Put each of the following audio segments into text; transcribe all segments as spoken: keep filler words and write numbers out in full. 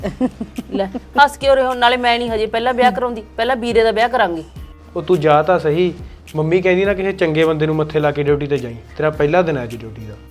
ਲੈ ਹੱਸ ਕੇ ਉਰੇ ਹੁਣ ਨਾਲੇ ਮੈਂ ਨਹੀਂ ਹਜੇ ਪਹਿਲਾਂ ਵਿਆਹ ਕਰਾਉਂਦੀ, ਪਹਿਲਾਂ ਵੀਰੇ ਦਾ ਵਿਆਹ ਕਰਾਂਗੇ। ਉਹ ਤੂੰ ਜਾ ਤਾਂ ਸਹੀ, ਮੰਮੀ ਕਹਿੰਦੀ ਨਾ ਕਿਸੇ ਚੰਗੇ ਬੰਦੇ ਨੂੰ ਮੱਥੇ ਲਾ ਕੇ ਡਿਊਟੀ ਤੇ ਜਾਈਂ, ਤੇਰਾ ਪਹਿਲਾ ਦਿਨ ਹੈ ਅੱਜ ਡਿਊਟੀ ਦਾ।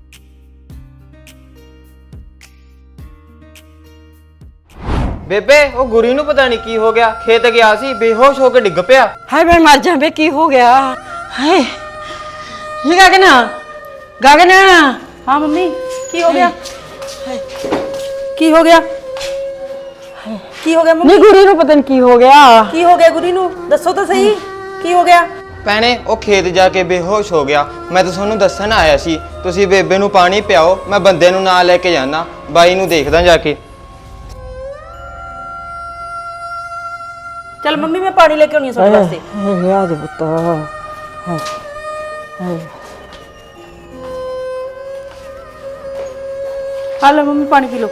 ਬੇਬੇ ਉਹ ਗੁਰੀ ਨੂੰ ਪਤਾ ਨਹੀਂ ਕੀ ਹੋ ਗਿਆ, ਖੇਤ ਗਿਆ ਸੀ ਬੇਹੋਸ਼ ਹੋ ਕੇ ਡਿੱਗ ਪਿਆ। ਹਾਏ ਮੈਂ ਮਰ ਜਾਂ ਬੇ, ਕੀ ਹੋ ਗਿਆ? ਹਾਏ ਇਹ ਗਗਨ ਗਗਨ ਹਾਂ ਮੰਮੀ ਕੀ ਹੋ ਗਿਆ? ਕੀ ਹੋ ਗਿਆ? ਕੀ ਹੋ ਗਿਆ ਮੰਮੀ? ਨਹੀਂ ਗੁਰੀ ਨੂੰ ਪਤਾ ਨਹੀਂ ਕੀ ਹੋ ਗਿਆ। ਕੀ ਹੋ ਗਿਆ ਗੁਰੀ ਨੂੰ? ਦੱਸੋ ਤਾਂ ਸਹੀ ਕੀ ਹੋ ਗਿਆ? ਭੈਣੇ ਉਹ ਖੇਤ ਜਾ ਕੇ ਬੇਹੋਸ਼ ਹੋ ਗਿਆ। ਮੈਂ ਤਾਂ ਤੁਹਾਨੂੰ ਦੱਸਣ ਆਇਆ ਸੀ, ਤੁਸੀਂ ਬੇਬੇ ਨੂੰ ਪਾਣੀ ਪਿਆਓ, ਮੈਂ ਬੰਦੇ ਨੂੰ ਨਾਲ ਲੈ ਕੇ ਜਾਣਾ, ਬਾਈ ਨੂੰ ਦੇਖਦਾ ਜਾ ਕੇ। ਚੱਲ ਮੰਮੀ ਮੈਂ ਪਾਣੀ ਲੈ ਕੇ ਆਉਣੀ ਆ ਤੁਹਾਡੇ ਵਾਸਤੇ। ਹਾਏ ਯਾਦ ਪੁੱਤ। ਹਾਏ ਹਾਏ ਆ ਲੈ ਮੰਮੀ ਪਾਣੀ ਪੀ ਲਓ।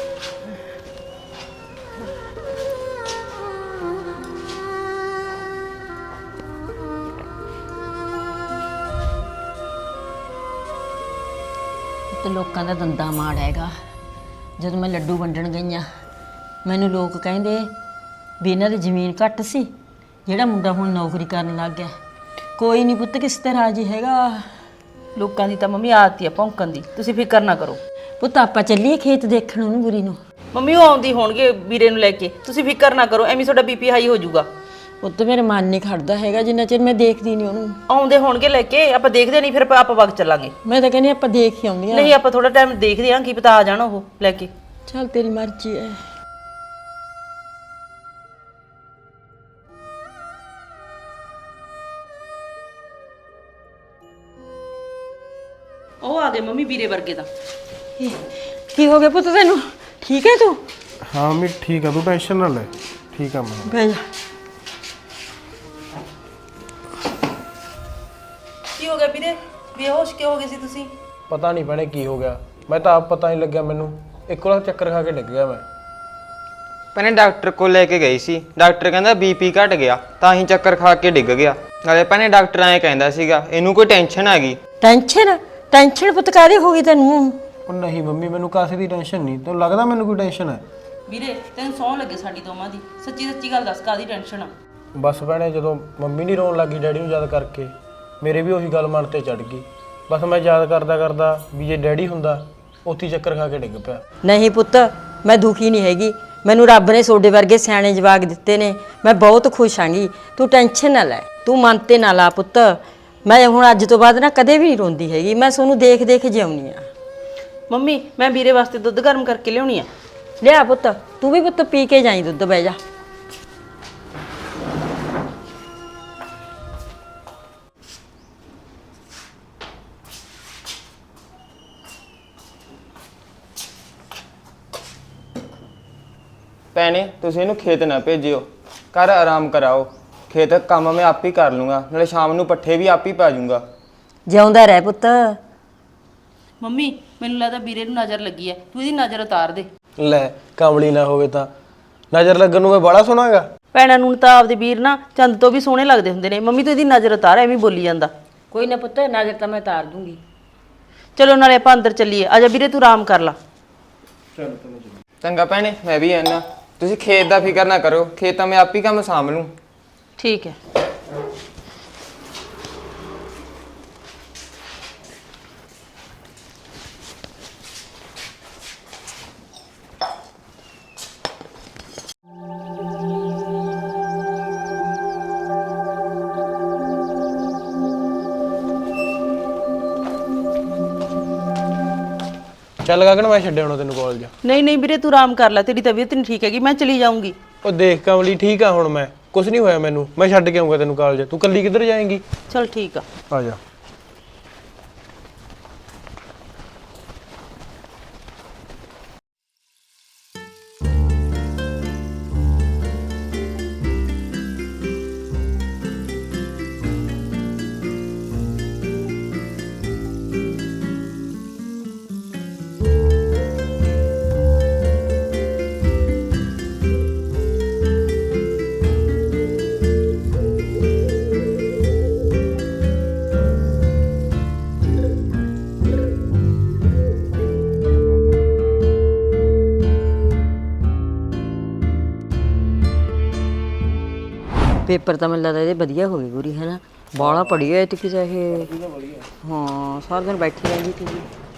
ਤੇ ਲੋਕਾਂ ਦਾ ਦੰਦਾ ਮਾੜ ਹੈਗਾ। ਜਦੋਂ ਮੈਂ ਲੱਡੂ ਵੰਡਣ ਗਈਆਂ ਮੈਨੂੰ ਲੋਕ ਕਹਿੰਦੇ ਵੀ ਇਹਨਾਂ ਦੀ ਜ਼ਮੀਨ ਘੱਟ ਸੀ, ਜਿਹੜਾ ਮੁੰਡਾ ਹੁਣ ਨੌਕਰੀ ਕਰਨ ਲੱਗ ਗਿਆ। ਕੋਈ ਨਹੀਂ ਪੁੱਤ ਕਿਸ ਤਰ੍ਹਾਂ ਰਾਜੀ ਹੈਗਾ। ਲੋਕਾਂ ਦੀ ਤਾਂ ਮੰਮੀ ਆਦਤ ਹੀ ਆ ਭੌਂਕਣ ਦੀ, ਤੁਸੀਂ ਫਿਕਰ ਨਾ ਕਰੋ। ਪੁੱਤ ਆਪਾਂ ਚੱਲੀਏ ਖੇਤ ਦੇਖਣ ਉਹਨੂੰ ਗੁਰੀ ਨੂੰ। ਮੰਮੀ ਉਹ ਆਉਂਦੀ ਹੋਣਗੇ ਵੀਰੇ ਨੂੰ ਲੈ ਕੇ, ਤੁਸੀਂ ਫਿਕਰ ਨਾ ਕਰੋ, ਐਵੇਂ ਤੁਹਾਡਾ ਬੀਪੀ ਹਾਈ ਹੋ ਜਾਊਗਾ। ਪੁੱਤ ਮੇਰੇ ਮਨ ਨਹੀਂ ਖੜਦਾ ਹੈਗਾ ਜਿੰਨਾ ਚਿਰ ਮੈਂ ਦੇਖਦੀ ਨਹੀਂ ਉਹਨੂੰ। ਆਉਂਦੇ ਹੋਣਗੇ ਲੈ ਕੇ, ਆਪਾਂ ਦੇਖਦੇ ਨਹੀਂ ਫਿਰ ਆਪਾਂ ਵਗ ਚੱਲਾਂਗੇ। ਮੈਂ ਤਾਂ ਕਹਿੰਦੀ ਆਪਾਂ ਦੇਖ ਹੀ ਆਉਂਦੇ ਆ। ਨਹੀਂ ਆਪਾਂ ਥੋੜਾ ਟਾਈਮ ਦੇਖਦੇ ਆਂ, ਕੀ ਪਤਾ ਆ ਜਾਣ ਉਹ ਲੈ ਕੇ। ਚੱਲ ਤੇਰੀ ਮਰਜ਼ੀ ਹੈ। ਉਹ ਆ ਗਏ ਮੰਮੀ ਵੀਰੇ ਵਰਗੇ ਤਾਂ। ਕੀ ਹੋ ਗਿਆ ਪੁੱਤ ਤੈਨੂੰ? ਠੀਕ ਹੈ ਤੂੰ? ਹਾਂ ਮੰਮੀ ਠੀਕ ਆ, ਤੂੰ ਟੈਨਸ਼ਨ ਨਾ ਲੈ, ਠੀਕ ਆ ਮੈਂ। ਬਹਿ ਜਾ। ਕੀ ਹੋ ਗਿਆ ਵੀਰੇ? ਬੇਹੋਸ਼ ਕਿਉਂ ਹੋ ਗਏ ਸੀ ਤੁਸੀਂ? ਪਤਾ ਨਹੀਂ ਭੈਣੇ ਕੀ ਹੋ ਗਿਆ, ਮੈਂ ਤਾਂ ਆਪ ਪਤਾ ਨਹੀਂ ਲੱਗਿਆ ਮੈਨੂੰ, ਇੱਕ ਵਾਰ ਚੱਕਰ ਖਾ ਕੇ ਡਿੱਗ ਗਿਆ ਮੈਂ। ਭੈਣੇ ਡਾਕਟਰ ਕੋਲ ਲੈ ਕੇ ਗਈ ਸੀ, ਡਾਕਟਰ ਕਹਿੰਦਾ ਬੀਪੀ ਘਟ ਗਿਆ ਤਾਂ ਹੀ ਚੱਕਰ ਖਾ ਕੇ ਡਿੱਗ ਗਿਆ। ਨਾਲੇ ਭੈਣੇ ਡਾਕਟਰ ਐਂ ਕਹਿੰਦਾ ਸੀਗਾ ਇਹਨੂੰ ਕੋਈ ਟੈਨਸ਼ਨ ਆ ਗਈ। ਟੈਨਸ਼ਨ? ਟੈਨਸ਼ਨ ਪੁੱਤ ਕਾਹਦੀ ਹੋ ਗਈ ਤੈਨੂੰ? ਉਹ ਨਹੀਂ ਮੰਮੀ ਮੈਨੂੰ ਕਾਸੇ ਦੀ ਟੈਨਸ਼ਨ ਨਹੀਂ, ਤੈਨੂੰ ਲੱਗਦਾ ਮੈਨੂੰ ਕੋਈ ਟੈਨਸ਼ਨ ਹੈ? ਵੀਰੇ ਤੈਨੂੰ ਸੌਂ ਲੱਗੇ ਸਾਡੀ ਦੋਵਾਂ ਦੀ, ਸੱਚੀ ਸੱਚੀ ਗੱਲ ਦੱਸ ਕਾਹਦੀ ਟੈਨਸ਼ਨ ਆ? ਬਸ ਭੈਣੇ ਜਦੋਂ ਮੰਮੀ ਨਹੀਂ ਰੋਣ ਲੱਗੀ ਡੈਡੀ ਨੂੰ ਯਾਦ ਕਰਕੇ, ਮੇਰੇ ਵੀ ਉਹੀ ਗੱਲ ਮਨ ਤੇ ਚੜ ਗਈ। ਬਸ ਮੈਂ ਯਾਦ ਕਰਦਾ ਕਰਦਾ ਵੀ ਜੇ ਡੈਡੀ ਹੁੰਦਾ ਉੱਥੇ ਹੀ ਚੱਕਰ ਖਾ ਕੇ ਡਿੱਗ ਪਿਆ। ਨਹੀਂ ਪੁੱਤ ਮੈਂ ਦੁਖੀ ਨਹੀਂ ਹੈਗੀ, ਮੈਨੂੰ ਰੱਬ ਨੇ ਤੁਹਾਡੇ ਵਰਗੇ ਸਿਆਣੇ ਜਵਾਕ ਦਿੱਤੇ ਨੇ, ਮੈਂ ਬਹੁਤ ਖੁਸ਼ ਆਂਗੀ। ਤੂੰ ਟੈਨਸ਼ਨ ਨਾ ਲੈ, ਤੂੰ ਮਨ ਤੇ ਨਾ ਲਾ ਪੁੱਤ। ਮੈਂ ਹੁਣ ਅੱਜ ਤੋਂ ਬਾਅਦ ਨਾ ਕਦੇ ਵੀ ਨਹੀਂ ਰੋਂਦੀ ਹੈਗੀ, ਮੈਂ ਤੁਹਾਨੂੰ ਦੇਖ ਦੇਖ ਜਿਉਣੀ ਆ। ਮੰਮੀ ਮੈਂ ਵੀਰੇ ਵਾਸਤੇ ਦੁੱਧ ਗਰਮ ਕਰਕੇ ਲਿਆਉਣੀ ਆ। ਲਿਆ ਪੁੱਤ, ਤੂੰ ਵੀ ਪੁੱਤ ਪੀ ਕੇ ਜਾਈਂ ਦੁੱਧ। ਬਹਿ ਜਾ। ਭੈਣੇ ਤੁਸੀਂ ਇਹਨੂੰ ਖੇਤ ਨਾ ਭੇਜਿਓ, ਘਰ ਆਰਾਮ ਕਰਾਓ। ਖੇਤ ਕੰਮ ਮੈਂ ਆਪ ਹੀ ਕਰ ਲੂੰਗਾ, ਨਾਲੇ ਸ਼ਾਮ ਨੂੰ ਪੱਠੇ ਵੀ ਆਪ ਹੀ ਪਾ ਜੂੰਗਾ। ਜਿਉਂਦਾ ਰਹਿ ਪੁੱਤ। ਮੰਮੀ ਮੈਨੂੰ ਲੱਗਦਾ ਵੀਰੇ ਨੂੰ ਨਜ਼ਰ ਲੱਗੀ ਐ, ਤੂੰ ਇਹਦੀ ਨਜ਼ਰ ਉਤਾਰ ਦੇ। ਲੈ ਕਾਮਲੀ ਨਾ ਹੋਵੇ ਤਾਂ ਨਜ਼ਰ ਲੱਗਣ ਨੂੰ ਮੈਂ ਬੜਾ ਸੋਹਣਾਗਾ। ਭੈਣਾਂ ਨੂੰ ਤਾਂ ਆਪਦੇ ਵੀਰ ਨਾ ਚੰਦ ਤੋਂ ਵੀ ਸੋਹਣੇ ਲੱਗਦੇ ਹੁੰਦੇ ਨੇ। ਮੰਮੀ ਤੂੰ ਇਹਦੀ ਨਜ਼ਰ ਉਤਾਰ, ਐਵੇਂ ਬੋਲੀ ਜਾਂਦਾ। ਕੋਈ ਨਾ ਪੁੱਤ, ਨਜ਼ਰ ਤਾਂ ਮੈਂ ਉਤਾਰ ਦੂੰਗੀ। ਚਲੋ ਨਾਲੇ ਆਪਾਂ ਅੰਦਰ ਚੱਲੀਏ। ਆਜਾ ਵੀਰੇ ਤੂੰ ਆਰਾਮ ਕਰ ਲਾ। ਚੰਗਾ ਭੈਣੇ ਮੈਂ ਵੀ ਆਣਾ, ਤੁਸੀਂ ਖੇਤ ਦਾ ਫਿਕਰ ਨਾ ਕਰੋ, ਖੇਤ ਤਾਂ ਮੈਂ ਆਪ ਹੀ ਕੰਮ ਸਾਂਭ ਲੂੰ। ਠੀਕ ਹੈ। ਚੱਲ ਗਗਨ ਮੈਂ ਛੱਡਿਆ ਹੁਣ ਤੈਨੂੰ ਕਾਲਜ। ਨਹੀਂ ਨਹੀਂ ਵੀਰੇ ਤੂੰ ਆਰਾਮ ਕਰ ਲੈ, ਤੇਰੀ ਤਬੀਅਤ ਨਹੀਂ ਠੀਕ ਹੈਗੀ, ਮੈਂ ਚਲੀ ਜਾਊਂਗੀ। ਉਹ ਦੇਖ ਕਮਲੀ ਠੀਕ ਆ ਹੁਣ, ਮੈਂ ਕੁਝ ਨਹੀਂ ਹੋਇਆ ਮੈਨੂੰ, ਮੈਂ ਛੱਡ ਕੇ ਆਉਂਗਾ ਤੈਨੂੰ ਕਾਲਜ। ਤੂੰ ਕੱਲੀ ਕਿੱਧਰ ਜਾਏਂਗੀ? ਚਲ ਠੀਕ ਆ। ਆ ਜਾ। ਪੇਪਰ ਤਾਂ ਮੈਨੂੰ ਲੱਗਦਾ ਇਹਦੇ ਵਧੀਆ ਹੋ ਗਏ ਗੁਰੀ, ਹੈ ਨਾ? ਬਾਲਾ ਪੜੀ ਹੋਈ ਤੇ ਕਿਸੇ ਇਹ ਹਾਂ ਸਾਰਾ ਦਿਨ ਬੈਠੀ ਰਹਿੰਦੀ ਸੀ।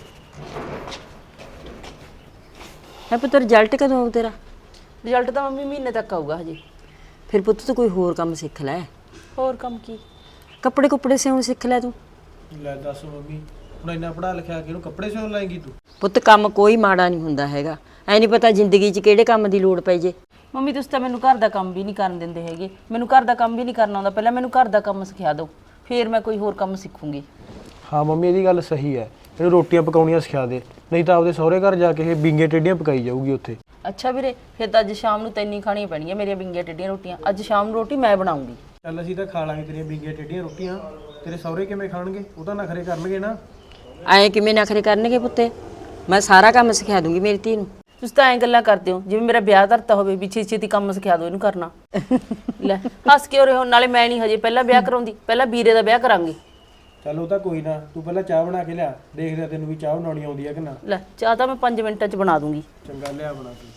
ਹੈ ਪੁੱਤ ਰਿਜ਼ਲਟ ਕਦੋਂ ਆਊ ਤੇਰਾ? ਰਿਜ਼ਲਟ ਤਾਂ ਮੰਮੀ ਮਹੀਨੇ ਤੱਕ ਆਊਗਾ ਹਜੇ। ਫਿਰ ਪੁੱਤ ਤੂੰ ਕੋਈ ਹੋਰ ਕੰਮ ਸਿੱਖ ਲੈ, ਹੋਰ ਕੰਮ ਕੀ? ਕੱਪੜੇ ਕੁੱਪੜੇ ਸਿਉਣ ਸਿੱਖ ਲੈ ਤੂੰ। ਲੈ ਦੱਸ ਮੰਮੀ, ਹੁਣ ਇੰਨਾ ਪੜਾ ਲਿਖਿਆ ਕਿ ਇਹਨੂੰ ਕੱਪੜੇ ਸਿਉਣ ਲਾਏਂਗੀ ਤੂੰ? ਪੁੱਤ ਕੰਮ ਕੋਈ ਮਾੜਾ ਨਹੀਂ ਹੁੰਦਾ ਹੈਗਾ, ਐ ਨਹੀਂ ਪਤਾ ਜ਼ਿੰਦਗੀ 'ਚ ਕਿਹੜੇ ਕੰਮ ਦੀ ਲੋੜ ਪੈ ਜੇ। ਮੰਮੀ ਤੁਸੀਂ ਤਾਂ ਮੈਨੂੰ ਘਰ ਦਾ ਕੰਮ ਵੀ ਨਹੀਂ ਕਰਨ ਦਿੰਦੇ ਹੈਗੇ। ਮੈਨੂੰ ਘਰ ਦਾ ਕੰਮ ਵੀ ਨਹੀਂ ਕਰਨਾ ਆਉਂਦਾ। ਪਹਿਲਾਂ ਮੈਨੂੰ ਘਰ ਦਾ ਕੰਮ ਸਿਖਾ ਦਿਓ, ਫਿਰ ਮੈਂ ਕੋਈ ਹੋਰ ਕੰਮ ਸਿੱਖੂੰਗੀ। ਹਾਂ ਮੰਮੀ ਇਹਦੀ ਗੱਲ ਸਹੀ ਹੈ, ਇਹਨੂੰ ਰੋਟੀਆਂ ਪਕਾਉਣੀਆਂ ਸਿਖਾ ਦੇ, ਨਹੀਂ ਤਾਂ ਆਪਦੇ ਸਹੁਰੇ ਘਰ ਜਾ ਕੇ ਇਹ ਬਿੰਗੇ ਟੇਡੀਆਂ ਪਕਾਈ ਜਾਊਗੀ ਉੱਥੇ। ਅੱਛਾ ਵੀਰੇ, ਫਿਰ ਤਾਂ ਅੱਜ ਸ਼ਾਮ ਨੂੰ ਤੈਨੂੰ ਹੀ ਖਾਣੀਆਂ ਪੈਣੀਆਂ ਮੇਰੀਆਂ ਬਿੰਗੀਆਂ ਟੇਡੀਆਂ ਰੋਟੀਆਂ। ਅੱਜ ਸ਼ਾਮ ਨੂੰ ਰੋਟੀ ਮੈਂ ਬਣਾਉਂਗੀ। ਚੱਲ ਅਸੀਂ ਤਾਂ ਖਾ ਲਾਂਗੇ ਤੇਰੀਆਂ ਬਿੰਗੀਆਂ ਟੇਡੀਆਂ ਰੋਟੀਆਂ, ਤੇਰੇ ਸਹੁਰੇ ਕਿਵੇਂ ਖਾਣਗੇ? ਉਹ ਤਾਂ ਨਖਰੇ ਕਰਨਗੇ ਨਾ। ਐਂ ਕਿਵੇਂ ਨਖਰੇ ਕਰਨਗੇ ਪੁੱਤੇ? ਮੈਂ ਸਾਰਾ ਕੰਮ ਸਿਖਾ ਦੂੰਗੀ ਮੇਰੀ ਧੀ ਨੂੰ। ਤੁਸੀਂ ਤਾਂ ਐਂ ਗੱਲਾਂ ਕਰਦੇ ਹੋ ਜਿਵੇਂ ਮੇਰਾ ਵਿਆਹ ਧਰਤਾ ਹੋਵੇ ਵੀ ਛੇਤੀ ਛੇਤੀ ਕੰਮ ਸਿਖਾ ਦਿਓ ਇਹਨੂੰ ਕਰਨਾ। ਲੈ ਹੱਸ ਕੇ ਰਹੇ ਹੋ, ਨਾਲੇ ਮੈਂ ਨਹੀਂ ਹਜੇ ਪਹਿਲਾਂ ਵਿਆਹ ਕਰਾਉਂਦੀ, ਪਹਿਲਾਂ ਵੀਰੇ ਦਾ ਵਿਆਹ ਕਰਾਂਗੇ। ਚੱਲ ਉਹ ਤਾਂ ਕੋਈ ਨਾ, ਤੂੰ ਪਹਿਲਾਂ ਚਾਹ ਬਣਾ ਕੇ ਲਿਆ, ਦੇਖਦੇ ਤੈਨੂੰ ਵੀ ਚਾਹ ਬਣਾਉਣੀ ਆਉਂਦੀ ਹੈ ਕਿ ਨਾ। ਲੈ ਚਾਹ ਤਾਂ ਮੈਂ ਪੰਜ ਮਿੰਟਾਂ 'ਚ ਬਣਾ ਦੂੰਗੀ। ਚੰਗਾ ਲਿਆ ਬਣਾ ਕੇ।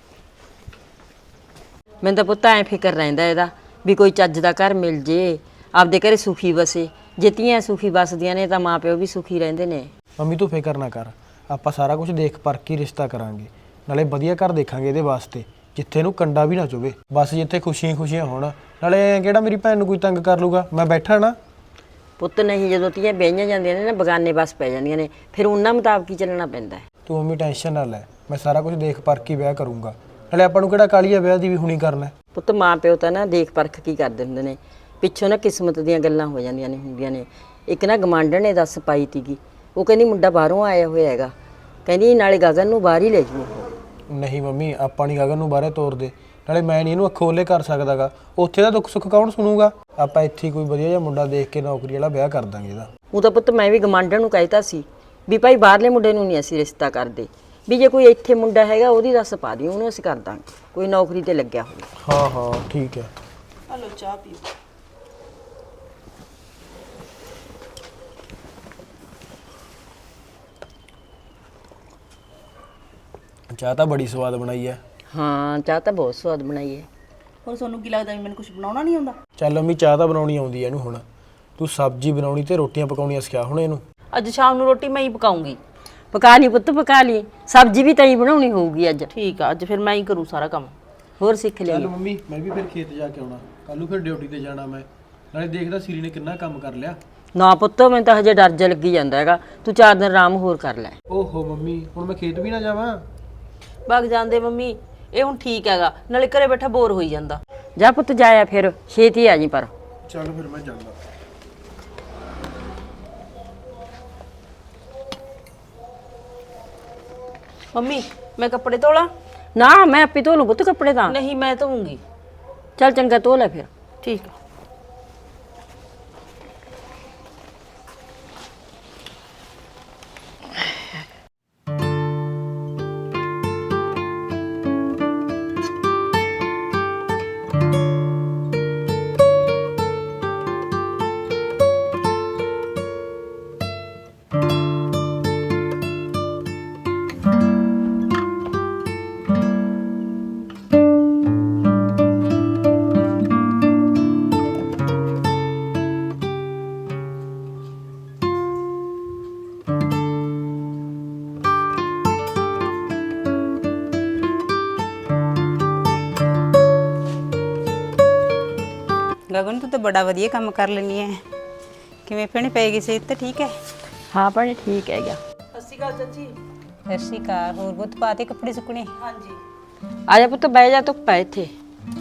ਮੈਨੂੰ ਤਾਂ ਪੁੱਤ ਐਂ ਫਿਕਰ ਰਹਿੰਦਾ ਇਹਦਾ ਵੀ ਕੋਈ ਚੱਜ ਦਾ ਘਰ ਮਿਲ ਜੇ, ਆਪਦੇ ਘਰੇ ਸੁਖੀ ਵਸੇ। ਜੇ ਧੀਆਂ ਸੁਖੀ ਵਸਦੀਆਂ ਨੇ ਤਾਂ ਮਾਂ ਪਿਓ ਵੀ ਸੁਖੀ ਰਹਿੰਦੇ ਨੇ। ਮੰਮੀ ਤੂੰ ਫਿਕਰ ਨਾ ਕਰ, ਆਪਾਂ ਸਾਰਾ ਕੁਝ ਦੇਖ ਪਰਖ ਕੇ ਰਿਸ਼ਤਾ ਕਰਾਂਗੇ, ਨਾਲੇ ਵਧੀਆ ਘਰ ਦੇਖਾਂਗੇ ਇਹਦੇ ਵਾਸਤੇ, ਜਿੱਥੇ ਇਹਨੂੰ ਕੰਡਾ ਵੀ ਨਾ ਚੁਵੇ, ਬਸ ਜਿੱਥੇ ਖੁਸ਼ੀਆਂ ਖੁਸ਼ੀਆਂ ਹੋਣ। ਨਾਲੇ ਕਿਹੜਾ ਮੇਰੀ ਭੈਣ ਨੂੰ ਕੋਈ ਤੰਗ ਕਰ ਲੂਗਾ, ਮੈਂ ਬੈਠਾ ਨਾ। ਪੁੱਤ ਨਹੀਂ, ਜਦੋਂ ਧੀਆਂ ਵਿਆਹੀਆਂ ਜਾਂਦੀਆਂ ਨੇ ਨਾ ਬਗਾਨੇ ਬਸ ਪੈ ਜਾਂਦੀਆਂ ਨੇ, ਫਿਰ ਉਹਨਾਂ ਮੁਤਾਬਕ ਹੀ ਚੱਲਣਾ ਪੈਂਦਾ ਹੈ। ਤੂੰ ਮੰਮੀ ਟੈਨਸ਼ਨ ਨਾ ਲੈ, ਮੈਂ ਸਾਰਾ ਕੁਝ ਦੇਖ ਪਰਖ ਕੇ ਵਿਆਹ ਕਰੂੰਗਾ। ਨਾਲੇ ਆਪਾਂ ਨੂੰ ਕਿਹੜਾ ਕਾਹਲੀ ਆ ਵਿਆਹ ਦੀ ਵੀ ਹੁਣੀ ਕਰਨਾ। ਪੁੱਤ ਮਾਂ ਪਿਓ ਤਾਂ ਨਾ ਦੇਖ ਪਰਖ ਕੀ ਕਰਦੇ ਹੁੰਦੇ ਨੇ, ਪਿੱਛੋਂ ਨਾ ਕਿਸਮਤ ਦੀਆਂ ਗੱਲਾਂ ਹੋ ਜਾਂਦੀਆਂ ਨੇ ਹੁੰਦੀਆਂ ਨੇ। ਇੱਕ ਨਾ ਗਮਾਂਡਣ ਨੇ ਦੱਸ ਪਾਈ ਤੀਗੀ, ਉਹ ਕਹਿੰਦੀ ਮੁੰਡਾ ਬਾਹਰੋਂ ਆਇਆ ਹੋਇਆ ਹੈਗਾ, ਕਹਿੰਦੀ ਨਾਲੇ ਗਗਨ ਨੂੰ ਬਾਹਰ ਹੀ ਲੈ ਜੂ। ਨਹੀਂ ਮੰਮੀ, ਆਪਾਂ ਨਹੀਂ ਗਗਨ ਨੂੰ ਬਾਹਰੇ ਤੋਰਦੇ, ਨਾਲੇ ਮੈਂ ਨਹੀਂ ਇਹਨੂੰ ਅੱਖੋਂ ਓਲੇ ਕਰ ਸਕਦਾਗਾ। ਉੱਥੇ ਦਾ ਦੁੱਖ ਸੁੱਖ ਕੌਣ ਸੁਣੂਗਾ? ਆਪਾਂ ਇੱਥੇ ਕੋਈ ਵਧੀਆ ਜਿਹਾ ਮੁੰਡਾ ਦੇਖ ਕੇ ਨੌਕਰੀ ਵਾਲਾ ਵਿਆਹ ਕਰ ਦਾਂਗੇ ਇਹਦਾ। ਉਹ ਤਾਂ ਪੁੱਤ ਮੈਂ ਵੀ ਗਮਾਂਡਣ ਨੂੰ ਕਹਿਤਾ ਸੀ ਵੀ ਭਾਈ ਬਾਹਰਲੇ ਮੁੰਡੇ ਨੂੰ ਨਹੀਂ ਅਸੀਂ ਰਿਸ਼ਤਾ ਕਰਦੇ, ਵੀ ਜੇ ਕੋਈ ਇੱਥੇ ਮੁੰਡਾ ਹੈਗਾ ਉਹਦੀ ਦੱਸ ਪਾ ਦਿਓ, ਉਹਨੂੰ ਅਸੀਂ ਕਰ ਦਾਂਗੇ, ਕੋਈ ਨੌਕਰੀ ਤੇ ਲੱਗਿਆ ਹੋਵੇ। ਹਾਂ ਹਾਂ ਠੀਕ ਹੈ। ਹਲੋ ਚਾਹ ਪੀਓ। ਚਾਹ ਤਾਂ ਬੜੀ ਸਵਾਦ ਬਣਾਈ ਹੈ। ਹਾਂ ਚਾਹ ਤਾਂ ਬਹੁਤ ਸਵਾਦ ਬਣਾਈ ਹੈ। ਹੋਰ ਤੁਹਾਨੂੰ ਕੀ ਲੱਗਦਾ ਵੀ ਮੈਨੂੰ ਕੁਝ ਬਣਾਉਣਾ ਨਹੀਂ ਆਉਂਦਾ? ਚੱਲ ਮੰਮੀ ਚਾਹ ਤਾਂ ਬਣਾਉਣੀ ਆਉਂਦੀ ਹੈ ਇਹਨੂੰ, ਹੁਣ ਤੂੰ ਸਬਜ਼ੀ ਬਣਾਉਣੀ ਤੇ ਰੋਟੀਆਂ ਪਕਾਉਣੀਆਂ ਸਿਖਾ ਹੁਣ ਇਹਨੂੰ। ਅੱਜ ਸ਼ਾਮ ਨੂੰ ਰੋਟੀ ਮੈਂ ਹੀ ਪਕਾਉਂਗੀ। ਪਕਾ ਲਈ ਪੁੱਤ ਪਕਾ ਲਈ, ਸਬਜ਼ੀ ਵੀ ਤਾਂ ਹੀ ਬਣਾਉਣੀ ਹੋਊਗੀ ਅੱਜ। ਠੀਕ ਆ, ਅੱਜ ਫਿਰ ਮੈਂ ਹੀ ਕਰੂੰ ਸਾਰਾ ਕੰਮ। ਹੋਰ ਸਿੱਖ ਲਿਆ। ਚੱਲ ਮੰਮੀ ਮੈਂ ਵੀ ਫਿਰ ਖੇਤ ਜਾ ਕੇ ਆਉਣਾ, ਕੱਲ ਨੂੰ ਫਿਰ ਡਿਊਟੀ ਤੇ ਜਾਣਾ ਮੈਂ, ਨਾਲੇ ਦੇਖਦਾ ਸੀਰੀ ਨੇ ਕਿੰਨਾ ਕੰਮ ਕਰ ਲਿਆ। ਨਾ ਪੁੱਤ ਮੈਨੂੰ ਤਾਂ ਹਜੇ ਡਰ ਜਿਹਾ ਲੱਗੀ ਜਾਂਦਾ ਹੈਗਾ, ਤੂੰ ਚਾਰ ਦਿਨ ਆਰਾਮ ਹੋਰ ਕਰ ਲੈ। ਓਹੋ ਮੰਮੀ, ਹੁਣ ਮੈਂ ਖੇਤ ਵੀ ਨਾ ਜਾਵਾਂ? ਵਗ ਜਾਂਦੇ ਮੰਮੀ, ਇਹ ਹੁਣ ਠੀਕ ਹੈਗਾ, ਨਾਲੇ ਘਰੇ ਬੈਠਾ ਬੋਰ ਹੋਈ ਜਾਂਦਾ। ਜਾ ਪੁੱਤ ਜਾਇਆ, ਫਿਰ ਛੇਤੀ ਆ ਜੀ ਪਰ। ਚੱਲ ਫਿਰ ਮੈਂ ਜਾਂਦਾ। ਮੰਮੀ ਮੈਂ ਕੱਪੜੇ ਧੋਲਾਂ? ਨਾ ਮੈਂ ਆਪੇ ਧੋ ਲੂ ਪੁੱਤ ਕੱਪੜੇ ਤਾਂ। ਨਹੀਂ ਮੈਂ ਧੋਉਂਗੀ। ਚੱਲ ਚੰਗਾ ਧੋ ਲੈ ਫਿਰ। ਠੀਕ ਆ। ਗਗਨ ਤੂੰ ਤਾਂ ਬੜਾ ਵਧੀਆ ਕੰਮ ਕਰ ਲੈਣੀ ਹੈ। ਕਿਵੇਂ ਭੈਣੇ ਪੈ ਗਈ ਸਿਹਤ ਤਾਂ ਠੀਕ ਹੈ? ਹਾਂ ਭੈਣੇ ਠੀਕ ਹੈਗਾ। ਸਤਿ ਸ਼੍ਰੀ ਅਕਾਲ ਚਾਚੀ। ਸਤਿ ਸ਼੍ਰੀ ਅਕਾਲ। ਹੋਰ ਬਹੁਤ ਪਾਤੇ ਕੱਪੜੇ ਸੁੱਕਣੇ? ਹਾਂਜੀ। ਆ ਜਾ ਪੁੱਤ ਬਹਿ ਜਾ, ਧੁੱਪ ਹੈ ਇੱਥੇ।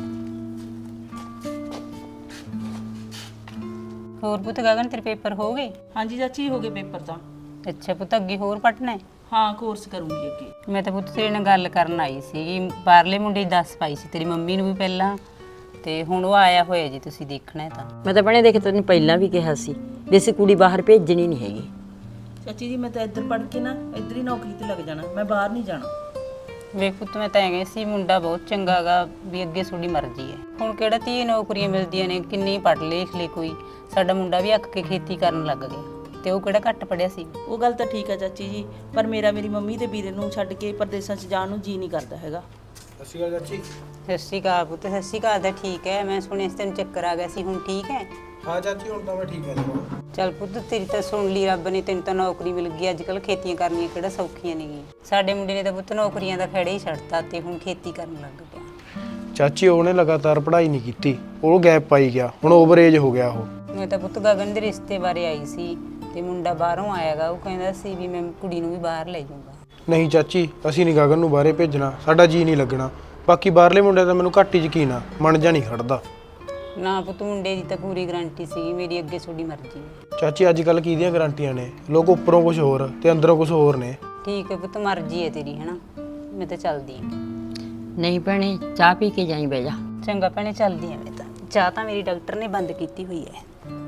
ਹੋਰ ਪੁੱਤ ਗਗਨ ਤੇਰੇ ਪੇਪਰ ਹੋ ਗਏ? ਹਾਂਜੀ ਚਾਚੀ ਹੋ ਗਏ ਪੇਪਰ ਤਾਂ। ਅੱਛਾ ਪੁੱਤ ਅੱਗੇ ਹੋਰ ਪੜ੍ਹਨਾ ਹੈ? ਹਾਂ ਕੋਰਸ ਕਰੂੰਗੀ ਅੱਗੇ। ਮੈਂ ਤਾਂ ਪੁੱਤ ਤੇਰੇ ਨਾਲ ਗੱਲ ਕਰਨ ਆਈ ਸੀਗੀ, ਬਾਹਰਲੇ ਮੁੰਡੇ ਦੀ ਦੱਸ ਪਾਈ ਸੀ ਤੇਰੀ ਮੰਮੀ ਨੂੰ ਵੀ ਪਹਿਲਾਂ, ਤੇ ਹੁਣ ਉਹ ਆਇਆ ਹੋਇਆ ਜੀ, ਤੁਸੀਂ ਦੇਖਣਾ ਹੈ ਤਾਂ। ਮੈਂ ਤਾਂ ਭੈਣੇ ਦੇਖ ਤੈਨੂੰ ਪਹਿਲਾਂ ਵੀ ਕਿਹਾ ਸੀ ਵੀ ਅਸੀਂ ਕੁੜੀ ਬਾਹਰ ਭੇਜਣੀ ਨਹੀਂ ਹੈਗੀ। ਚਾਚੀ ਜੀ ਮੈਂ ਤਾਂ ਇੱਧਰ ਪੜ੍ਹ ਕੇ ਨਾ ਇੱਧਰ ਹੀ ਨੌਕਰੀ ਤੇ ਲੱਗ ਜਾਣਾ, ਮੈਂ ਬਾਹਰ ਨਹੀਂ ਜਾਣਾ। ਵੇਖ ਪੁੱਤ ਮੈਂ ਤਾਂ ਐਂ ਸੀ ਮੁੰਡਾ ਬਹੁਤ ਚੰਗਾ ਗਾ, ਵੀ ਅੱਗੇ ਤੁਹਾਡੀ ਮਰਜ਼ੀ ਹੈ। ਹੁਣ ਕਿਹੜਾ ਧੀ ਨੌਕਰੀਆਂ ਮਿਲਦੀਆਂ ਨੇ, ਕਿੰਨੀ ਪੜ੍ਹ ਲਿਖ ਲਈ ਕੋਈ। ਸਾਡਾ ਮੁੰਡਾ ਵੀ ਅੱਕ ਕੇ ਖੇਤੀ ਕਰਨ ਲੱਗ ਗਿਆ, ਤੇ ਉਹ ਕਿਹੜਾ ਘੱਟ ਪੜਿਆ ਸੀ। ਉਹ ਗੱਲ ਤਾਂ ਠੀਕ ਹੈ ਚਾਚੀ ਜੀ, ਪਰ ਮੇਰਾ ਮੇਰੀ ਮੰਮੀ ਤੇ ਵੀਰੇ ਨੂੰ ਛੱਡ ਕੇ ਪਰਦੇਸਾਂ 'ਚ ਜਾਣ ਨੂੰ ਜੀ ਨਹੀਂ ਕਰਦਾ ਹੈਗਾ। ਅਸੀਂ ਗੱਲ ਚਾਚੀ। ਸਤਿ ਸ਼੍ਰੀ ਅਕਾਲ ਪੁੱਤ। ਸਤਿ ਸ਼੍ਰੀ ਅਕਾਲ ਤਾਂ ਠੀਕ ਹੈ। ਮੈਂ ਸੁਣਿਆ ਸੀ ਤੈਨੂੰ ਚੱਕਰ ਆ ਗਿਆ ਸੀ, ਹੁਣ ਠੀਕ ਹੈ? ਹਾਂ ਚਾਚੀ ਹੁਣ ਤਾਂ ਮੈਂ ਠੀਕ ਹਾਂ ਜੀ। ਚੱਲ ਪੁੱਤ ਤੇਰੀ ਤਾਂ ਸੁਣ ਲਈ ਰੱਬ ਨੇ, ਤੈਨੂੰ ਤਾਂ ਨੌਕਰੀ ਮਿਲ ਗਈ। ਅੱਜ ਕੱਲ ਖੇਤੀਆਂ ਕਰਨੀਆਂ ਕਿਹੜਾ ਸੌਖੀਆਂ ਨੇਗੀਆਂ। ਸਾਡੇ ਮੁੰਡੇ ਨੇ ਤਾਂ ਪੁੱਤ ਨੌਕਰੀਆਂ ਦਾ ਖੜੇ ਹੀ ਛੱਡਤਾ ਤੇ ਹੁਣ ਖੇਤੀ ਕਰਨ ਲੱਗ ਪਿਆ। ਚਾਚੀ ਉਹਨੇ ਲਗਾਤਾਰ ਪੜ੍ਹਾਈ ਨਹੀਂ ਕੀਤੀ, ਉਹ ਗੈਪ ਪਾਈ ਗਿਆ, ਹੁਣ ਓਵਰ ਏਜ ਹੋ ਗਿਆ ਉਹ। ਮੈਂ ਤਾਂ ਪੁੱਤ ਗਗਨ ਦੇ ਰਿਸ਼ਤੇ ਬਾਰੇ ਆਈ ਸੀ ਤੇ ਮੁੰਡਾ ਬਾਹਰੋਂ ਆਇਆਗਾ, ਉਹ ਕਹਿੰਦਾ ਸੀ ਵੀ ਮੈਂ ਕੁੜੀ ਨੂੰ ਵੀ ਬਾਹਰ ਲੈ ਜਾਊਂਗਾ। ਨਹੀਂ ਚਾਚੀ, ਅਸੀਂ ਨਹੀਂ ਗਗਨ ਨੂੰ ਬਾਹਰੇ ਭੇਜਣਾ, ਸਾਡਾ ਜੀ ਨਹੀਂ ਲੱਗਣਾ। ਬਾਕੀ ਬਾਹਰਲੇ ਮੁੰਡੇ ਤਾਂ ਮੈਨੂੰ ਘੱਟ ਹੀ ਯਕੀਨ ਆ, ਮਨ ਜਾ ਨਹੀਂ ਖੜਦਾ। ਨਾ ਪੁੱਤ ਮੁੰਡੇ ਦੀ ਤਾਂ ਪੂਰੀ ਗਰੰਟੀ ਸੀ, ਮੇਰੀ ਅੱਗੇ ਤੁਹਾਡੀ ਮਰਜ਼ੀ ਹੈ। ਚਾਚੀ ਅੱਜ ਕੱਲ ਕਿਹਦੀਆਂ ਗਰੰਟੀਆਂ ਨੇ, ਲੋਕ ਉੱਪਰੋਂ ਕੁਝ ਹੋਰ ਤੇ ਅੰਦਰੋਂ ਕੁਝ ਹੋਰ ਨੇ। ਠੀਕ ਹੈ ਪੁੱਤ, ਮਰਜ਼ੀ ਹੈ ਤੇਰੀ, ਹੈਨਾ। ਮੈਂ ਤਾਂ ਚੱਲਦੀ ਹਾਂ। ਨਹੀਂ ਭੈਣੇ, ਚਾਹ ਪੀ ਕੇ ਜਾਈ ਬਹਿ ਜਾ। ਚੰਗਾ ਭੈਣੇ, ਚੱਲਦੀ ਹਾਂ ਮੈਂ ਤਾਂ। ਚਾਹ ਤਾਂ ਮੇਰੀ ਡਾਕਟਰ ਨੇ ਬੰਦ ਕੀਤੀ ਹੋਈ ਹੈ।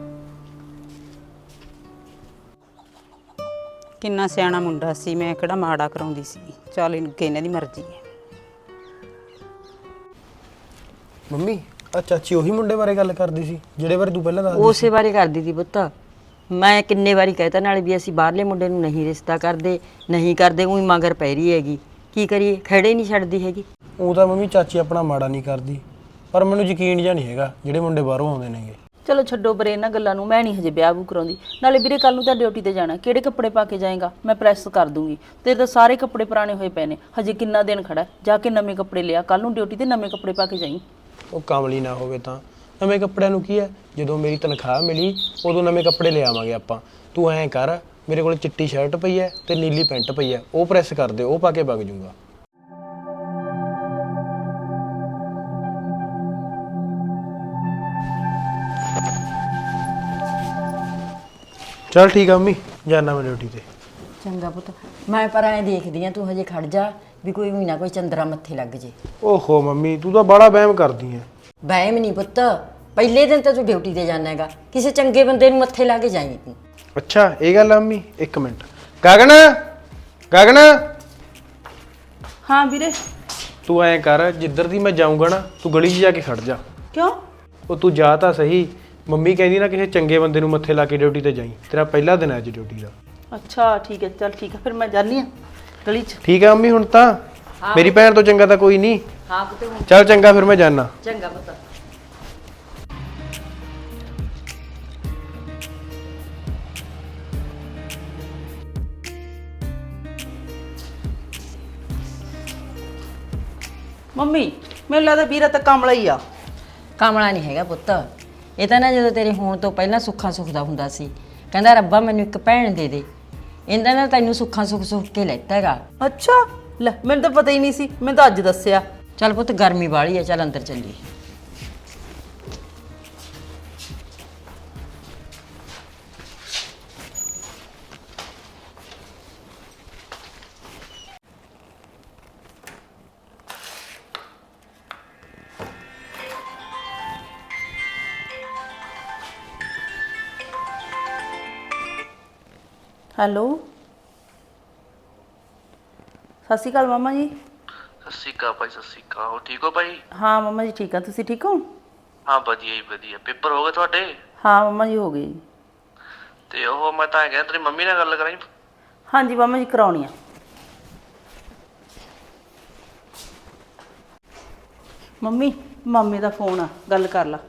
ਕਿੰਨਾ ਸਿਆਣਾ ਮੁੰਡਾ ਸੀ, ਮੈਂ ਕਿਹੜਾ ਮਾੜਾ ਕਰਾਉਂਦੀ ਸੀ। ਚੱਲ ਇਹਨਾਂ ਦੀ ਮਰਜ਼ੀ ਹੈ। ਮੰਮੀ ਆ ਚਾਚੀ ਉਹੀ ਮੁੰਡੇ ਬਾਰੇ ਗੱਲ ਕਰਦੀ ਸੀ ਜਿਹੜੇ ਬਾਰੇ ਤੂੰ ਪਹਿਲਾਂ ਦੱਸਦੀ ਉਸੇ ਬਾਰੇ ਕਰਦੀ ਸੀ ਪੁੱਤ। ਮੈਂ ਕਿੰਨੇ ਵਾਰੀ ਕਹਿਤਾ ਨਾਲੇ ਵੀ ਅਸੀਂ ਬਾਹਰਲੇ ਮੁੰਡੇ ਨੂੰ ਨਹੀਂ ਰਿਸ਼ਤਾ ਕਰਦੇ, ਨਹੀਂ ਕਰਦੇ, ਉਹੀ ਮਗਰ ਪੈ ਰਹੀ ਹੈਗੀ। ਕੀ ਕਰੀਏ, ਖੜੇ ਨਹੀਂ ਛੱਡਦੀ ਹੈਗੀ। ਉਹ ਤਾਂ ਮੰਮੀ ਚਾਚੀ ਆਪਣਾ ਮਾੜਾ ਨਹੀਂ ਕਰਦੀ, ਪਰ ਮੈਨੂੰ ਯਕੀਨ ਜਿਹਾ ਨਹੀਂ ਹੈਗਾ ਜਿਹੜੇ ਮੁੰਡੇ ਬਾਹਰੋਂ ਆਉਂਦੇ ਨੇਗੇ। ਚਲੋ ਛੱਡੋ ਪਰੇ ਇਹਨਾਂ ਗੱਲਾਂ ਨੂੰ, ਮੈਂ ਨਹੀਂ ਹਜੇ ਵਿਆਹ ਵੂ ਕਰਾਉਂਦੀ। ਨਾਲੇ ਵੀਰੇ ਕੱਲ ਨੂੰ ਤਾਂ ਡਿਊਟੀ ਤੇ ਜਾਣਾ, ਕਿਹੜੇ ਕੱਪੜੇ ਪਾ ਕੇ ਜਾਏਗਾ? ਮੈਂ ਪ੍ਰੈਸ ਕਰ ਦੂੰਗੀ। ਤੇਰੇ ਤਾਂ ਸਾਰੇ ਕੱਪੜੇ ਪੁਰਾਣੇ ਹੋਏ ਪਏ ਨੇ, ਹਜੇ ਕਿੰਨਾ ਦਿਨ ਖੜਾ, ਜਾ ਕੇ ਨਵੇਂ ਕੱਪੜੇ ਲਿਆ, ਕੱਲ ਨੂੰ ਡਿਊਟੀ ਤੇ ਨਵੇਂ ਕੱਪੜੇ ਪਾ ਕੇ ਜਾਈਂ। ਉਹ ਕਾਮਲੀ ਨਾ ਹੋਵੇ ਤਾਂ ਨਵੇਂ ਕੱਪੜਿਆਂ ਨੂੰ ਕੀ ਹੈ, ਜਦੋਂ ਮੇਰੀ ਤਨਖਾਹ ਮਿਲੀ ਉਦੋਂ ਨਵੇਂ ਕੱਪੜੇ ਲੈ ਆਵਾਂਗੇ ਆਪਾਂ। ਤੂੰ ਐਂ ਕਰ, ਮੇਰੇ ਕੋਲ ਚਿੱਟੀ ਸ਼ਰਟ ਪਈ ਹੈ ਤੇ ਨੀਲੀ ਪੈਂਟ ਪਈ ਹੈ, ਉਹ ਪ੍ਰੈਸ ਕਰ ਦੇ, ਉਹ ਪਾ ਕੇ ਵਗ ਜੂੰਗਾ। ਚਲ ਠੀਕ ਆ ਮੰਮੀ, ਜਾਣਾ ਮੈਂ ਡਿਊਟੀ ਤੇ। ਚੰਗਾ ਪੁੱਤ, ਮੈਂ ਪਰ ਐਂ ਦੇਖਦੀ ਆ, ਤੂੰ ਹਜੇ ਖੜ ਜਾ ਵੀ ਕੋਈ ਵੀ ਨਾ ਕੋਈ ਚੰਦਰਾ ਮੱਥੇ ਲੱਗ ਜੇ। ਓਹੋ ਮੰਮੀ, ਤੂੰ ਤਾਂ ਬੜਾ ਵਹਿਮ ਕਰਦੀ ਐ। ਵਹਿਮ ਨਹੀਂ ਪੁੱਤ, ਪਹਿਲੇ ਦਿਨ ਤਾਂ ਤੂੰ ਡਿਊਟੀ ਤੇ ਜਾਣਾ ਹੈਗਾ, ਕਿਸੇ ਚੰਗੇ ਬੰਦੇ ਨੂੰ ਮੱਥੇ ਲਾ ਕੇ ਜਾਈਂ ਤੂੰ। ਅੱਛਾ ਇਹ ਗੱਲ ਆ ਮੰਮੀ। ਇੱਕ ਮਿੰਟ, ਗਗਨ ਗਗਨ ਹਾਂ ਵੀਰੇ। ਤੂੰ ਐਂ ਕਰ, ਜਿੱਧਰ ਦੀ ਮੈਂ ਜਾਊਂਗਾ ਨਾ ਤੂੰ ਗਲੀ 'ਚ ਜਾ ਕੇ ਖੜ ਜਾ। ਕਿਉਂ? ਉਹ ਤੂੰ ਜਾ ਤਾਂ ਸਹੀ, ਮੰਮੀ ਕਹਿੰਦੀ ਨਾ ਕਿਸੇ ਚੰਗੇ ਬੰਦੇ ਨੂੰ ਮੱਥੇ ਲਾ ਕੇ ਡਿਊਟੀ ਤੇ ਜਾਈਂ, ਤੇਰਾ ਪਹਿਲਾ ਦਿਨ ਹੈ ਅੱਜ ਡਿਊਟੀ ਦਾ। ਅੱਛਾ ਠੀਕ ਹੈ, ਚੱਲ ਠੀਕ ਹੈ, ਫਿਰ ਮੈਂ ਜਾਨੀ ਆ ਗਲੀ 'ਚ। ਠੀਕ ਹੈ ਮੰਮੀ, ਹੁਣ ਤਾਂ ਮੇਰੀ ਭੈਣ ਤੋਂ ਚੰਗਾ ਤਾਂ ਕੋਈ ਨਹੀਂ। ਹਾਂ ਪੁੱਤ, ਚੱਲ ਚੰਗਾ, ਫਿਰ ਮੈਂ ਜਾਣਾ। ਚੰਗਾ ਪੁੱਤ। ਮੰਮੀ ਮੈਨੂੰ ਲੱਗਦਾ ਵੀਰਾ ਤਾਂ ਕਮਲਾ ਹੀ ਆ। ਕਾਮਲਾ ਨਹੀਂ ਹੈਗਾ ਪੁੱਤ, ਇਹ ਤਾਂ ਨਾ ਜਦੋਂ ਤੇਰੇ ਹੋਣ ਤੋਂ ਪਹਿਲਾਂ ਸੁੱਖਾਂ ਸੁੱਖ ਦਾ ਹੁੰਦਾ ਸੀ, ਕਹਿੰਦਾ ਰੱਬਾ ਮੈਨੂੰ ਇੱਕ ਭੈਣ ਦੇ ਦੇ, ਇਹਦਾ ਨਾ ਤੈਨੂੰ ਸੁੱਖਾਂ ਸੁੱਖ ਸੁੱਖ ਕੇ ਲੈਤਾ ਹੈਗਾ। ਅੱਛਾ ਲੈ, ਮੈਨੂੰ ਤਾਂ ਪਤਾ ਹੀ ਨਹੀਂ ਸੀ, ਮੈਨੂੰ ਤਾਂ ਅੱਜ ਦੱਸਿਆ। ਚੱਲ ਪੁੱਤ, ਗਰਮੀ ਵਾਲੀ ਆ, ਚੱਲ ਅੰਦਰ ਚੱਲੀਏ। ਹੈਲੋ, ਸਤਿ ਸ਼੍ਰੀ ਅਕਾਲ ਮਾਮਾ ਜੀ। ਸਤਿ ਸ਼੍ਰੀ ਅਕਾਲ ਭਾਈ। ਸਤਿ ਸ਼੍ਰੀ ਅਕਾਲ। ਹੋ ਠੀਕ ਹੋ ਭਾਈ? ਹਾਂ ਮਾਮਾ ਜੀ ਠੀਕ ਆ, ਤੁਸੀਂ ਠੀਕ ਹੋ? ਹਾਂ ਵਧੀਆ ਜੀ ਵਧੀਆ। ਪੇਪਰ ਹੋ ਗਏ ਤੁਹਾਡੇ? ਹਾਂ ਮਾਮਾ ਜੀ ਹੋ ਗਏ ਜੀ। ਤੇ ਉਹ ਮੈਂ ਤਾਂ ਕਹਿੰਦਾ ਤੇਰੀ ਮੰਮੀ ਨਾਲ ਗੱਲ ਕਰਾਈ। ਹਾਂਜੀ ਮਾਮਾ ਜੀ ਕਰਾਉਣੀ ਆ। ਮੰਮੀ ਮਾਮੇ ਦਾ ਫੋਨ ਆ, ਗੱਲ ਕਰ ਲਾ।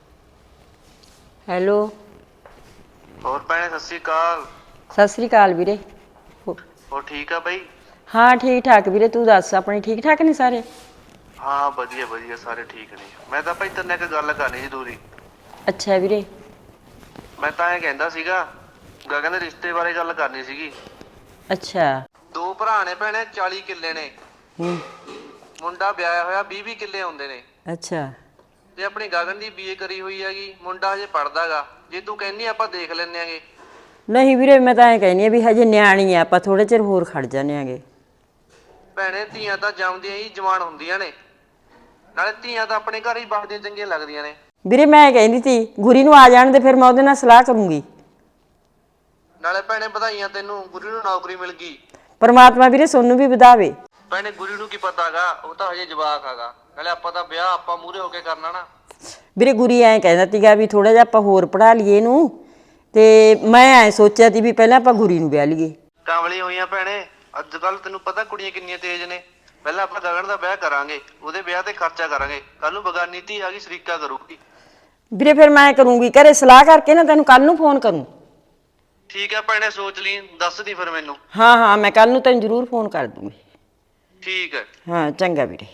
ਹੈਲੋ, ਹੋਰ ਭੈਣੇ ਸਤਿ ਸ਼੍ਰੀ ਅਕਾਲ। ਸਤਿ ਸ੍ਰੀ ਅਕਾਲ ਵੀਰੇ। ਹੋ- ਹੋਰ ਠੀਕ ਆ ਬਾਈ? ਹਾਂ ਠੀਕ ਠਾਕ ਵੀਰੇ, ਤੂੰ ਦੱਸ, ਆਪਣੇ ਠੀਕ ਠਾਕ ਨੇ ਸਾਰੇ? ਹਾਂ ਵਧੀਆ ਵਧੀਆ, ਸਾਰੇ ਠੀਕ ਨੇ। ਮੈਂ ਤਾਂ ਭਾਈ ਤੇਰੇ ਨਾਲ ਇੱਕ ਗੱਲ ਕਰਨੀ ਸੀ ਜ਼ਰੂਰੀ। ਅੱਛਾ ਵੀਰੇ। ਮੈਂ ਤਾਂ ਇਹ ਕਹਿੰਦਾ ਸੀਗਾ, ਗਗਨ ਦੇ ਰਿਸ਼ਤੇ ਬਾਰੇ ਗੱਲ ਕਰਨੀ ਸੀਗੀ। ਅੱਛਾ। ਦੋ ਭਰਾ ਨੇ ਭੈਣੇ, ਚਾਲੀ ਕਿੱਲੇ ਨੇ। ਹੂੰ। ਮੁੰਡਾ ਵਿਆਹਿਆ ਹੋਇਆ ਵੀਹ ਵੀਹ ਕਿੱਲੇ ਹੁੰਦੇ ਨੇ। ਅੱਛਾ। ਤੇ ਆਪਣੀ ਗਗਨ ਦੀ ਬੀਏ ਕਰੀ ਹੋਈ ਹੈਗੀ, ਮੁੰਡਾ ਹਜੇ ਪੜਦਾਗਾ। ਜੇ ਤੂੰ ਕਹਿੰਦੀ ਆਪਾਂ ਦੇਖ ਲੈਂਦੇ ਆਂਗੇ। ਨਹੀਂ ਵੀਰੇ, ਮੈਂ ਤਾਂ ਐਂ ਕਹਿੰਦੀ ਆ ਵੀ ਹਜੇ ਨਿਆਣੀ ਆ, ਆਪਾਂ ਥੋੜੇ ਚਿਰ ਹੋਰ ਖੜ ਜਾਂਦੇ ਆਂਗੇ। ਭੈਣੇ ਧੀਆਂ ਤਾਂ ਜੰਮਦੀਆਂ ਹੀ ਜਵਾਨ ਹੁੰਦੀਆਂ ਨੇ, ਨਾਲੇ ਧੀਆਂ ਤਾਂ ਆਪਣੇ ਘਰ ਹੀ ਵਸਦੀਆਂ ਚੰਗੀਆਂ ਲੱਗਦੀਆਂ ਨੇ। ਵੀਰੇ ਮੈਂ ਕਹਿੰਦੀ ਸੀ ਗੁਰੀ ਨੂੰ ਆ ਜਾਣ ਦੇ, ਫਿਰ ਮੈਂ ਉਹਦੇ ਨਾਲ ਸਲਾਹ ਕਰੂੰਗੀ। ਨਾਲੇ ਭੈਣੇ ਵਧਾਈਆਂ ਤੈਨੂੰ, ਗੁਰੀ ਨੂੰ ਨੌਕਰੀ ਮਿਲ ਗਈ। ਪਰਮਾਤਮਾ ਵੀਰੇ ਸੋਨੂੰ ਵੀ ਵਧਾਵੇ। ਭੈਣੇ ਗੁਰੀ ਨੂੰ ਕੀ ਪਤਾਗਾ, ਉਹ ਤਾਂ ਹਜੇ ਜਵਾਕ ਹੈਗਾ। ਨਾਲੇ ਆਪਾਂ ਤਾਂ ਵਿਆਹ ਆਪਾਂ ਮੂਹਰੇ ਹੋ ਕੇ ਕਰਨਾ ਨਾ। ਵੀਰੇ ਗੁਰੀ ਐਂ ਕਹਿੰਦਾ ਸੀਗਾ ਵੀ ਥੋੜਾ ਜਿਹਾ ਆਪਾਂ ਹੋਰ ਪੜ੍ਹਾ ਲਈਏ ਇਹਨੂੰ, ਤੇ ਮੈਂ ਐਂ ਸੋਚਿਆ ਸੀ ਵੀ ਪਹਿਲਾਂ ਆਪਾਂ ਗੁਰੀ ਨੂੰ ਵਿਆਹ ਲਈਏ। ਕਾਂਵਲੀ ਹੋਈਆਂ ਭੈਣੇ, ਅੱਜ ਕੱਲ ਤੈਨੂੰ ਪਤਾ ਕੁੜੀਆਂ ਕਿੰਨੀਆਂ ਤੇਜ਼ ਨੇ। ਪਹਿਲਾਂ ਆਪਾਂ ਗਗਨ ਦਾ ਵਿਆਹ ਕਰਾਂਗੇ, ਉਹਦੇ ਵਿਆਹ ਤੇ ਖਰਚਾ ਕਰਾਂਗੇ। ਕੱਲ ਨੂੰ ਬਗਾਨੀ ਧੀ ਆ ਗਈ, ਸ਼ਰੀਕਾ ਕਰੂਗੀ। ਵੀਰੇ ਫਿਰ ਮੈਂ ਕਰੂੰਗੀ, ਘਰੇ ਸਲਾਹ ਕਰਕੇ ਨਾ ਤੈਨੂੰ ਕੱਲ ਨੂੰ ਫੋਨ ਕਰੂੰ। ਠੀਕ ਹੈ ਭੈਣੇ, ਸੋਚ ਲਈ ਦੱਸ ਦੀ ਫਿਰ ਮੈਨੂੰ। ਹਾਂ ਹਾਂ ਮੈਂ ਕੱਲ ਨੂੰ ਤੈਨੂੰ ਜ਼ਰੂਰ ਫੋਨ ਕਰ ਦੂੰਗੀ। ਠੀਕ ਹੈ। ਹਾਂ ਚੰਗਾ ਵੀਰੇ।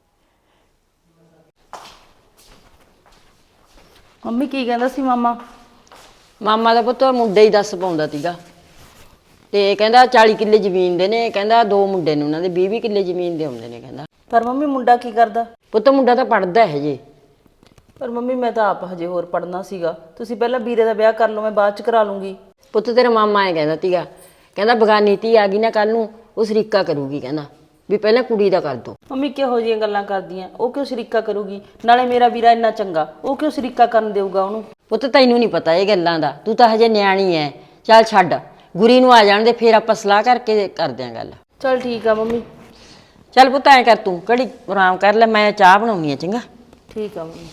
ਮੰਮੀ ਕੀ ਕਹਿੰਦਾ ਸੀ ਮਾਮਾ? ਮਾਮਾ ਦਾ ਪੁੱਤ ਮੁੰਡੇ ਹੀ ਦੱਸ ਪਾਉਂਦਾ ਸੀਗਾ, ਤੇ ਕਹਿੰਦਾ ਚਾਲੀ ਕਿੱਲੇ ਜ਼ਮੀਨ ਦੇ ਨੇ, ਕਹਿੰਦਾ ਦੋ ਮੁੰਡੇ ਨੇ ਉਹਨਾਂ ਦੇ ਵੀਹ ਵੀਹ ਕਿੱਲੇ ਜ਼ਮੀਨ ਦੇ ਆਉਂਦੇ ਨੇ ਕਹਿੰਦਾ। ਪਰ ਮੰਮੀ ਮੁੰਡਾ ਕੀ ਕਰਦਾ? ਪੁੱਤ ਮੁੰਡਾ ਤਾਂ ਪੜਦਾ ਹੈ ਹਜੇ। ਪਰ ਮੰਮੀ ਮੈਂ ਤਾਂ ਆਪ ਹਜੇ ਹੋਰ ਪੜਨਾ ਸੀਗਾ। ਤੁਸੀਂ ਪਹਿਲਾਂ ਵੀਰੇ ਦਾ ਵਿਆਹ ਕਰ ਲਓ, ਮੈਂ ਬਾਅਦ ਚ ਕਰਾ ਲੂੰਗੀ। ਪੁੱਤ ਤੇਰਾ ਮਾਮਾ ਐ ਕਹਿੰਦਾ ਸੀਗਾ, ਕਹਿੰਦਾ ਬਗਾਨੀ ਧੀ ਆ ਗਈ ਨਾ ਕੱਲ ਨੂੰ ਉਹ ਸ਼ਰੀਕਾ ਕਰੂਗੀ, ਕਹਿੰਦਾ ਵੀ ਪਹਿਲਾਂ ਕੁੜੀ ਦਾ ਕਰ ਦੋ। ਮੰਮੀ ਕਿਹੋ ਜਿਹੀਆਂ ਗੱਲਾਂ ਕਰਦੀਆਂ? ਉਹ ਕਿਉਂ ਸ਼ਰੀਕਾ ਕਰੂਗੀ? ਨਾਲੇ ਮੇਰਾ ਵੀਰਾ ਇੰਨਾ ਚੰਗਾ, ਉਹ ਕਿਉਂ ਸ਼ਰੀਕਾ ਕਰਨ ਦੇਊਗਾ ਉਹਨੂੰ? ਪੁੱਤ ਤੈਨੂੰ ਨਹੀਂ ਪਤਾ ਇਹ ਗੱਲਾਂ ਦਾ, ਤੂੰ ਤਾਂ ਹਜੇ ਨਿਆਣੀ ਐ। ਚੱਲ ਛੱਡ, ਗੁਰੀ ਨੂੰ ਆ ਜਾਣ ਦੇ, ਫੇਰ ਆਪਾਂ ਸਲਾਹ ਕਰਕੇ ਕਰਦੇ ਆਂ ਗੱਲ। ਚਲ ਠੀਕ ਆ ਮੰਮੀ। ਚੱਲ ਪੁੱਤ ਐਂ ਕਰ, ਤੂੰ ਘੜੀ ਆਰਾਮ ਕਰ ਲੈ, ਮੈਂ ਚਾਹ ਬਣਾਉਣੀ ਆ। ਚੰਗਾ ਠੀਕ ਆ ਮੰਮੀ।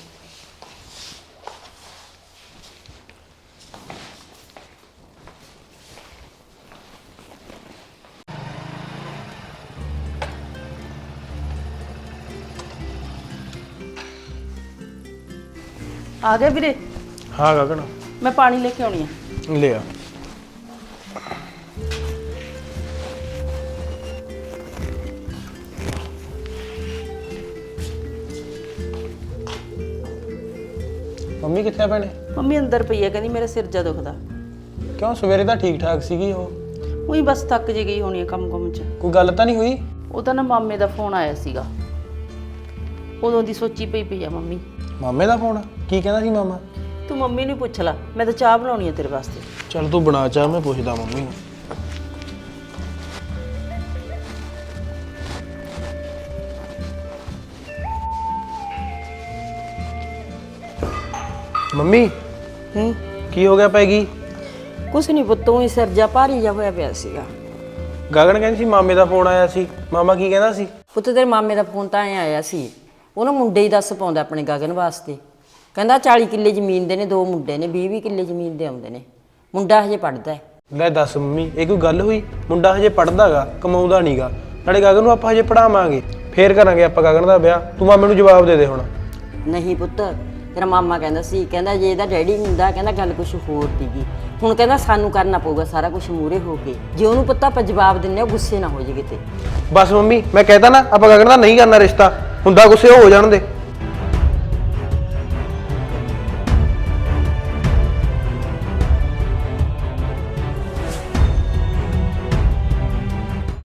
ਆ ਗਏ ਵੀਰੇ? ਹਾਂ ਗਗਨ, ਮੈਂ ਪਾਣੀ ਲੈ ਕੇ ਆਉਣੀ ਆ। ਲੈ ਆ। ਮੰਮੀ ਕਿੱਥੇ ਆ ਭੈਣੇ? ਮੰਮੀ ਅੰਦਰ ਪਈ ਆ, ਕਹਿੰਦੀ ਮੇਰਾ ਸਿਰ ਜਾ ਦੁਖਦਾ। ਕਿਉਂ, ਸਵੇਰੇ ਤਾਂ ਠੀਕ ਠਾਕ ਸੀਗੀ ਉਹ। ਉਹੀ ਬਸ ਥੱਕ ਜੇ ਗਈ ਹੋਣੀ ਆ ਕੰਮ ਕੰਮ ਚ। ਕੋਈ ਗੱਲ ਤਾਂ ਨਹੀਂ ਹੋਈ? ਉਹ ਤਾਂ ਨਾ ਮਾਮੇ ਦਾ ਫੋਨ ਆਇਆ ਸੀਗਾ, ਉਦੋਂ ਦੀ ਸੋਚੀ ਪਈ ਪਈ ਆ ਮੰਮੀ। ਮਾਮੇ ਦਾ ਫੋਨ? ਕੀ ਕਹਿੰਦਾ ਸੀ ਮਾਮਾ? ਤੂੰ ਮੰਮੀ ਨੂੰ ਪੁੱਛ ਲੈ, ਮੈਂ ਤਾਂ ਚਾਹ ਬਣਾਉਣੀ ਆ ਤੇਰੇ ਵਾਸਤੇ। ਚੱਲ ਤੂੰ ਬਣਾ ਚਾਹ, ਮੈਂ ਪੁੱਛਦਾ ਮੰਮੀ ਨੂੰ। ਮੰਮੀ ਹੂੰ ਕੀ ਹੋ ਗਿਆ ਪੈਗੀ? ਕੁਛ ਨਹੀਂ ਪੁੱਤ, ਉਹ ਸਿਰ ਜਾ ਭਾਰੀ ਜਾ ਹੋਇਆ ਪਿਆ ਸੀਗਾ। ਗਗਨ ਕਹਿੰਦੀ ਸੀ ਮਾਮੇ ਦਾ ਫੋਨ ਆਇਆ ਸੀ, ਮਾਮਾ ਕੀ ਕਹਿੰਦਾ ਸੀ? ਪੁੱਤ ਤੇਰੇ ਮਾਮੇ ਦਾ ਫੋਨ ਤਾਂ ਐ ਆਇਆ ਸੀ, ਉਹਨੂੰ ਮੁੰਡੇ ਹੀ ਦੱਸ ਪਾਉਂਦਾ ਆਪਣੇ ਗਗਨ ਵਾਸਤੇ। ਕਹਿੰਦਾ ਚਾਲੀ ਕਿੱਲੇ ਜ਼ਮੀਨ ਦੇ ਨੇ, ਦੋ ਮੁੰਡੇ ਨੇ, ਵੀਹ ਵੀਹ ਕਿੱਲੇ ਜ਼ਮੀਨ ਦੇ ਆਉਂਦੇ ਨੇ, ਮੁੰਡਾ ਹਜੇ ਪੜਦਾ ਹੈ। ਲੈ ਦੱਸ ਮੰਮੀ, ਇਹ ਕੋਈ ਗੱਲ ਹੋਈ? ਮੁੰਡਾ ਹਜੇ ਪੜਦਾਗਾ, ਕਮਾਉਂਦਾ ਨਹੀਂਗਾ। ਨਾਲੇ ਗਗਨ ਨੂੰ ਆਪਾਂ ਹਜੇ ਪੜਾਵਾਂਗੇ, ਫੇਰ ਕਰਾਂਗੇ ਆਪਾਂ ਗਗਨ ਦਾ ਵਿਆਹ। ਤੂੰ ਮਾਮੇ ਨੂੰ ਜਵਾਬ ਦੇ ਦੇ ਹੁਣ। ਨਹੀਂ ਪੁੱਤ, ਤੇਰਾ ਮਾਮਾ ਕਹਿੰਦਾ ਸੀ, ਕਹਿੰਦਾ ਜੇ ਇਹਦਾ ਡੈਡੀ ਹੁੰਦਾ, ਕਹਿੰਦਾ ਗੱਲ ਕੁਛ ਹੋਰ ਸੀਗੀ। ਹੁਣ ਕਹਿੰਦਾ ਸਾਨੂੰ ਕਰਨਾ ਪਊਗਾ ਸਾਰਾ ਕੁਝ ਮੂਰੇ ਹੋ ਕੇ। ਜੇ ਉਹਨੂੰ ਪਤਾ ਆਪਾਂ ਜਵਾਬ ਦਿੰਨੇ ਉਹ ਗੁੱਸੇ ਨਾ ਹੋ ਜੇ ਕਿਤੇ। ਬਸ ਮੰਮੀ, ਮੈਂ ਕਹਿਤਾ ਨਾ ਆਪਾਂ ਗਗਨ ਦਾ ਨਹੀਂ ਕਰਨਾ ਰਿਸ਼ਤਾ, ਹੁੰਦਾ ਗੁੱਸੇ ਹੋ ਜਾਣ ਦੇ।